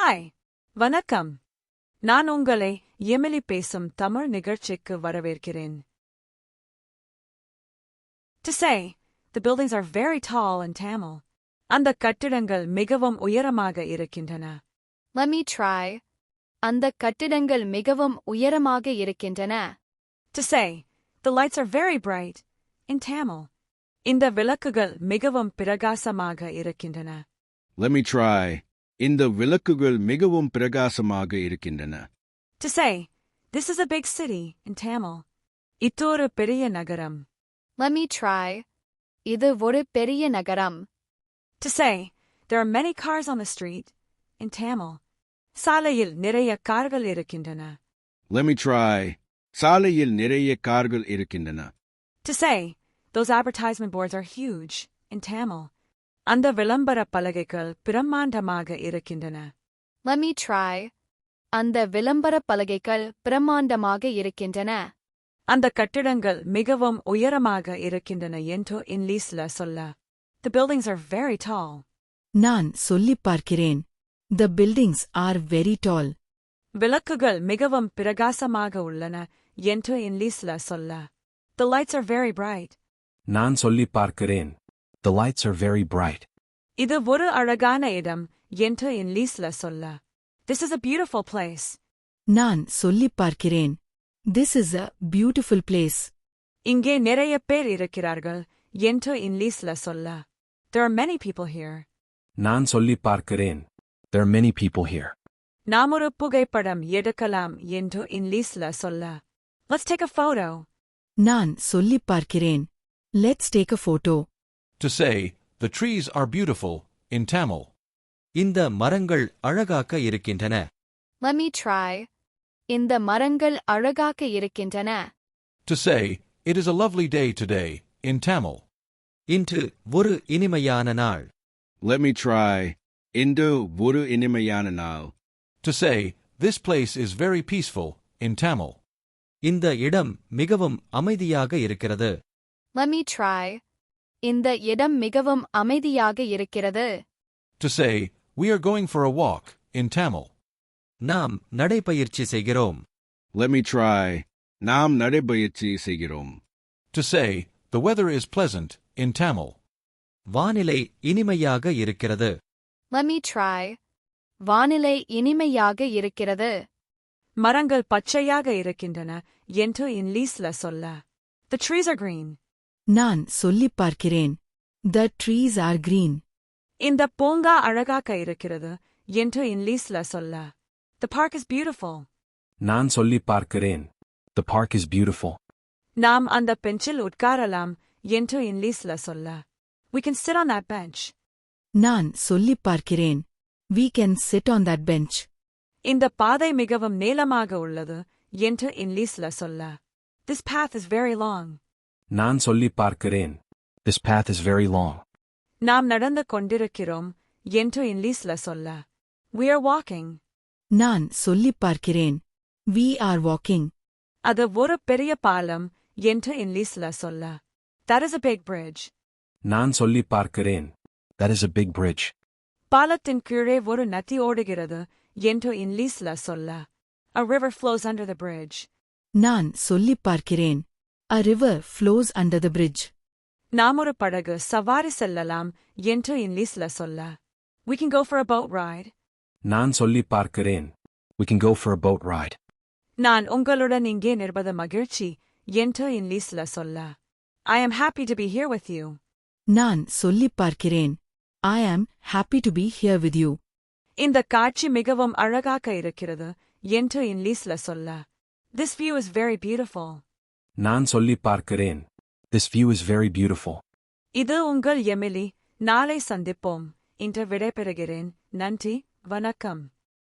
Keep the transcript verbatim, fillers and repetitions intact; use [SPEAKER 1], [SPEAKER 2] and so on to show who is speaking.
[SPEAKER 1] Hi. வணக்கம். நான் உங்களை எமிலி பேசும் தமிழ் நிகழ்ச்சிக்கு வரவேற்கிறேன். To say, the buildings are very tall in Tamil. அந்த கட்டிடங்கள் மிகவும் உயரமாக இருக்கின்றன.
[SPEAKER 2] Let me try. அந்த கட்டிடங்கள் மிகவும் உயரமாக இருக்கின்றன.
[SPEAKER 1] To say, the lights are very bright in Tamil. இந்த விளக்குகள் மிகவும் பிரகாசமாக இருக்கின்றன.
[SPEAKER 3] Let me try. இந்த விளக்குகள் மிகவும் பிரகாசமாக இருக்கின்றன.
[SPEAKER 1] To say, this is a big city in Tamil. இது ஒரு பெரிய நகரம்.
[SPEAKER 2] Let me try. இது ஒரு பெரிய நகரம்.
[SPEAKER 1] To say, there are many cars on the street in Tamil. சாலையில் நிறைய கார்கள் இருக்கின்றன.
[SPEAKER 3] Let me try. சாலையில் நிறைய கார்கள் இருக்கின்றன.
[SPEAKER 1] To say, those advertisement boards are huge in Tamil. அந்த விளம்பர பலகைகள் பிரம்மாண்டமாக இருக்கின்றன.
[SPEAKER 2] Let me try. அந்த விளம்பர பலகைகள் பிரம்மாண்டமாக இருக்கின்றன.
[SPEAKER 1] அந்த கட்டிடங்கள் மிகவும் உயரமாக இருக்கின்றன என்று இங்கிலீஷ்ல சொல்ல. The buildings are very tall.
[SPEAKER 4] நான் சொல்லிப் பார்க்கிறேன். The buildings are very tall.
[SPEAKER 1] விளக்குகள் மிகவும் பிரகாசமாக உள்ளன என்று இங்கிலீஷ்ல சொல்ல. The lights are very bright.
[SPEAKER 5] நான் சொல்லிப் பார்க்கிறேன். The lights are very bright.
[SPEAKER 1] இது ஒரு அழகான இடம் என்று இங்கிலீஷ்ல சொல்ல. This is a beautiful place.
[SPEAKER 4] நான் சொல்லிப் பார்க்கிறேன். This is a beautiful place.
[SPEAKER 1] இங்கே நிறைய பேர் இருக்கிறார்கள் என்று இங்கிலீஷ்ல சொல்ல. There are many people here.
[SPEAKER 5] நான் சொல்லிப் பார்க்கிறேன். There are many people here.
[SPEAKER 1] நாம் ஒரு புகைப்படம் எடுக்கலாம் என்று இங்கிலீஷ்ல சொல்ல. Let's take a photo.
[SPEAKER 4] நான் சொல்லிப் பார்க்கிறேன். Let's take a photo.
[SPEAKER 6] To say, the trees are beautiful, in Tamil. இந்த மரங்கள் அழகாக இருக்கின்றன.
[SPEAKER 2] Let me try. இந்த மரங்கள் அழகாக இருக்கின்றன.
[SPEAKER 6] To say, it is a lovely day today, in Tamil. இன்று ஒரு இனிமையான நாள்.
[SPEAKER 3] Let me try. இன்று ஒரு இனிமையான நாள்.
[SPEAKER 6] To say, this place is very peaceful, in Tamil. இந்த இடம் மிகவும் அமைதியாக இருக்கிறது.
[SPEAKER 2] Let me try. இந்த இடம் மிகவும் அமைதியாக இருக்கிறது.
[SPEAKER 6] To say, we are going for a walk, in Tamil. நாம் நடைபயிற்சி செய்கிறோம்.
[SPEAKER 3] Let me try. நாம் நடைபயிற்சி செய்கிறோம்.
[SPEAKER 6] To say, the weather is pleasant, in Tamil. வானிலை இனிமையாக இருக்கிறது.
[SPEAKER 2] Let me try. வானிலை இனிமையாக இருக்கிறது.
[SPEAKER 1] மரங்கள் பச்சையாக இருக்கின்றன என்று இங்கிலீஷ்ல சொல்ல. The trees are green.
[SPEAKER 4] நான் சொல்லிப் பார்க்கிறேன். The trees are green.
[SPEAKER 1] இந்த பூங்கா அழகாக இருக்கிறது என்று இங்கிலீஷ்ல சொல்ல. The park is beautiful.
[SPEAKER 5] நான் சொல்லிப் பார்க்கிறேன். The park is beautiful.
[SPEAKER 1] நாம் அந்த பெஞ்சில் உட்காரலாம் என்று இங்கிலீஷ்ல சொல்ல. We can sit on that bench.
[SPEAKER 4] நான் சொல்லிப் பார்க்கிறேன். We can sit on that bench.
[SPEAKER 1] இந்த பாதை மிகவும் நீளமாக உள்ளது என்று இங்கிலீஷ்ல சொல்ல. This path is very long.
[SPEAKER 5] நான் சொல்லிப் பார்க்கிறேன். This path is very long.
[SPEAKER 1] நாம் நடந்து கொண்டிருக்கிறோம் என்று இங்கிலீஷ்ல சொல்ல. We are walking.
[SPEAKER 4] நான் சொல்லிப் பார்க்கிறேன். We are walking.
[SPEAKER 1] அது ஒரு பெரிய பாலம் என்று இங்கிலீஷ்ல சொல்ல. That is a big bridge.
[SPEAKER 5] நான் சொல்லிப் பார்க்கிறேன். That is a big bridge.
[SPEAKER 1] பாலத்தின் கீழே ஒரு நதி ஓடுகிறது என்று இங்கிலீஷ்ல சொல்ல. A river flows under the bridge.
[SPEAKER 4] நான் சொல்லிப் பார்க்கிறேன். A river flows under the bridge.
[SPEAKER 1] நாம் ஒரு படகு சவாரி செல்லலாம் என்று இங்கிலீஷ்ல சொல்ல. We can go for a boat ride.
[SPEAKER 5] நான் சொல்லிப் பார்க்கிறேன். We can go for a boat ride.
[SPEAKER 1] நான் உங்களுடன் இங்கே நிற்பது மகிழ்ச்சி என்று இங்கிலீஷ்ல சொல்ல. I am happy to be here with you.
[SPEAKER 4] நான் சொல்லிப் பார்க்கிறேன். I am happy to be here with you.
[SPEAKER 1] இந்த காட்சி மிகவும் அழகாக இருக்கிறது என்று இங்கிலீஷ்ல சொல்ல. This view is very beautiful.
[SPEAKER 5] நான் சொல்லிப் பார்க்கிறேன். This view is very beautiful.
[SPEAKER 1] இது உங்கள் எமிலி. நாளை சந்திப்போம். இன்று விடைபெறுகிறேன். நன்றி. வணக்கம்.